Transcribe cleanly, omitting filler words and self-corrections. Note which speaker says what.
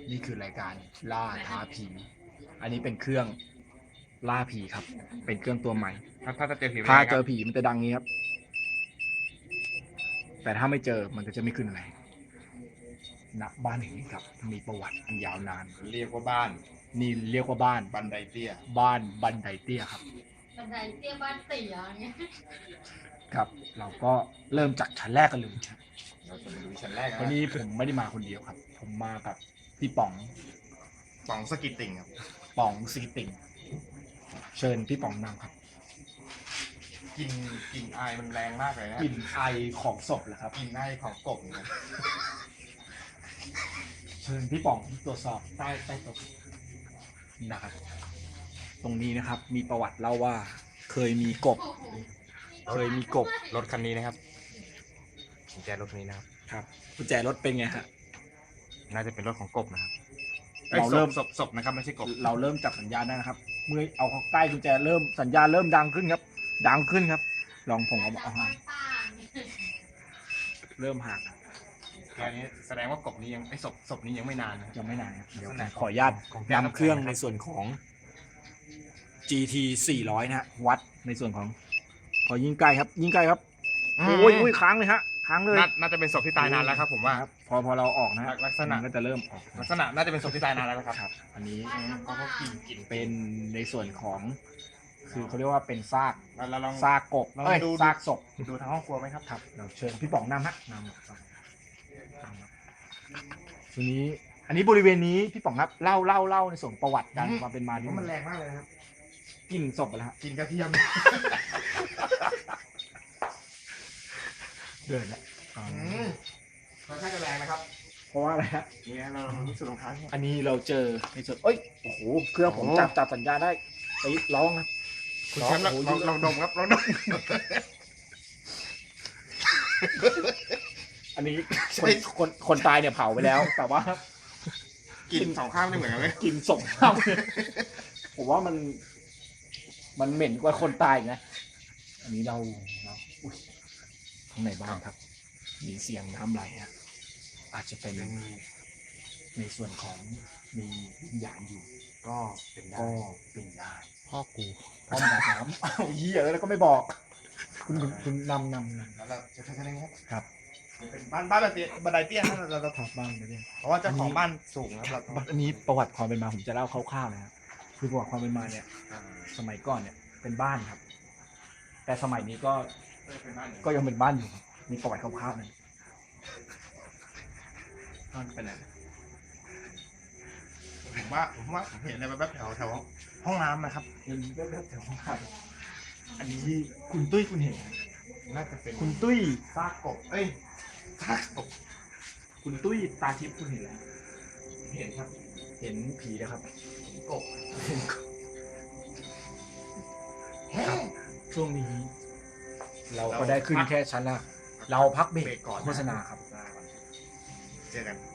Speaker 1: นี่คือรายการล่าท้าผี อันนี้เป็นเครื่องล่าผีครับ เป็นเครื่องตัวใหม่
Speaker 2: ถ้าจะเจอผี
Speaker 1: ถ้าเจอผีมันจะดังนี้ครับ แต่ถ้าไม่เจอมันก็จะไม่ขึ้นอะไรณบ้านแห่งนี้ครับ มีประวัติอันยาวนาน
Speaker 2: เรียกว่าบ้าน
Speaker 1: นี่เรียกว่าบ้าน
Speaker 2: บันไดเตี้ย
Speaker 1: บ้านบันไดเตี้ยครับ
Speaker 3: บันไดเตี้ยบ้านเตี๋ยอย่างเงี้ย
Speaker 1: ครับ เราก็เริ่มจากชั้นแรกกันเลยครับ
Speaker 2: เราจะมาดูชั้นแรกนะ
Speaker 1: วันนี้ผมไม่ได้มาคนเดียวครับ ผมมากับพี่ป๋อง
Speaker 2: ป๋องสกิตติ่งครับ
Speaker 1: ป๋องซีติงเชิญพี่ป๋องนำครับ
Speaker 2: กลิ่นอายมันแรงมากเลยนะ
Speaker 1: กลิ่นไอของศพเหรอครับ
Speaker 2: กลิ่นอายของกบนะครับ
Speaker 1: เชิญพี่ป๋องตรวจสอบใต้โต๊ะนะครับ ตรงนี้นะครับมีประวัติเล่าว่าเคยมีกบ เคยมีกบ
Speaker 2: รถคันนี้นะครับกุญแจรถคันนี้นะครับ
Speaker 1: ครับกุญแจรถเป็นไงฮะ
Speaker 2: น่าจะเป็นรถของกบนะครับ
Speaker 1: เราเริ่ม
Speaker 2: ศพนะครับไม่ใช่กบ
Speaker 1: เราเริ่มจับสัญญาณได้นะครับ เมื่อเอาเข้าใกล้กุญแจเริ่มสัญญาณเริ่มดังขึ้นครับ ดังขึ้นครับ ลองผมเอาห่างเริ่มห่าง
Speaker 2: แค่นี้แสดงว่ากบนี้ยังศพนี้ยังไม่นานนะ
Speaker 1: ยังไม่นานครับเดี๋ยว
Speaker 2: ลักษณะ
Speaker 1: ขออนุญาต
Speaker 2: ของ
Speaker 1: นำเครื่องในส่วนของ GT 400นะฮะวัดในส่วนของพอยิงใกล้ครับ ยิงใกล้ครับโอ้ยค้างเลยฮะค้างเลย
Speaker 2: น่าจะเป็นศพที่ตายนานแล้วครับผมว่า
Speaker 1: ครับพอเราออกนะฮะ
Speaker 2: ลักษณะ
Speaker 1: มันก็จะเริ่มออก
Speaker 2: ลักษณะน่าจะเป็นศพที่ตายนานแล้วนะครับ
Speaker 1: ครับ อันนี้
Speaker 2: ก็กลิ่น
Speaker 1: เป็นในส่วนของ คือเขาเรียกว่าเป็นซาก
Speaker 2: เราลอง
Speaker 1: ซากกบ
Speaker 2: ลอง
Speaker 1: เอ้ย
Speaker 2: ดู
Speaker 1: ซากศพ
Speaker 2: ดูทางห้องครัวไหมครับ
Speaker 1: ครับเราเชิญพี่ป๋องนำฮะนำครับทีนี้อันนี้บริเวณนี้พี่ป๋องครับเล่าในส่วนประวัติการความเป็นมา
Speaker 2: เพ
Speaker 1: นี่
Speaker 2: ราะมันแรงมากเลยนะครับ
Speaker 1: กลิ่นศพไปแล้วฮะ
Speaker 2: กลิ่นกระเทียม
Speaker 1: เดินแล้ว
Speaker 2: ค่อนข้างจะแรงนะครับ
Speaker 1: เพราะว่าอะไรฮะ
Speaker 2: นี่เราลองดูสุดรองเท้าเนี่ย
Speaker 1: อันนี้เราเจอในส่วนเอ้ยโอ้โหเครื่องผม
Speaker 2: โอ้
Speaker 1: จับสัญญาณได้ไปร้องนะ
Speaker 2: คุณแชมป์ล
Speaker 1: โอ้โห
Speaker 2: องดมครับลองดม
Speaker 1: อันนี้คนตายเนี่ยเผาไปแล้ว แต่ว่า
Speaker 2: กลิ่นสองข้างไม่เหมือนกันเลย
Speaker 1: กินศพเข้าผมว่ามันเหม็นกว่าคนตายอีกนะ อันนี้เราอุ๊ยข้างในบ้านครับ มีเสียงน้ำไหลฮะอาจจะเป็นในส่วนของมีวิญญาณอยู่
Speaker 2: ก็เป็นได้
Speaker 1: ก็เป็นได้
Speaker 2: พ่อกู
Speaker 1: พ่อมาถามอ้าวเหี้ยแล้วก็ไม่บอก คุณนำ
Speaker 2: แล้วเราจะทำยังไงครับ
Speaker 1: ครับ
Speaker 2: เป็นบ้านแบบบันไดเตี้ยนะเรา
Speaker 1: ถามบ้างไปเนี่ย
Speaker 2: เพราะว่าเจ้าของบ้านสูงนะครับเรา
Speaker 1: อันนี้ประวัติความเป็นมาผมจะเล่าคร่าวๆนะครับคือประวัติความเป็นมาเนี่ย สมัยก่อนเนี่ยเป็นบ้านครับ แต่สมัยนี้ก็
Speaker 2: เป็นบ้าน
Speaker 1: ก็ยังเป็นบ้านอยู่ครับมีประวัติคร่าวๆเลย
Speaker 2: บ้านเป็นอะไรผมว่าผมเห็นอะไรแบบแถวห้องน้ำนะครับ
Speaker 1: ยังมีแวบๆแถวข้างๆอันนี้คุณตุ้ยคุณเห็นไหม
Speaker 2: น่าจะเป็น
Speaker 1: คุณตุ้ย
Speaker 2: ซากกบเอ้ยซากกบ
Speaker 1: คุณตุ้ยตาทิพย์คุณเห็นแล้วเห็นครับ เห็นผีนะครับ
Speaker 2: กบ
Speaker 1: เห็นครับช่วงนี้ เราก็ได้ขึ้นแค่ชั้นละเราพักเบรก
Speaker 2: ก่อน
Speaker 1: โฆษณาครับ
Speaker 2: เจอกัน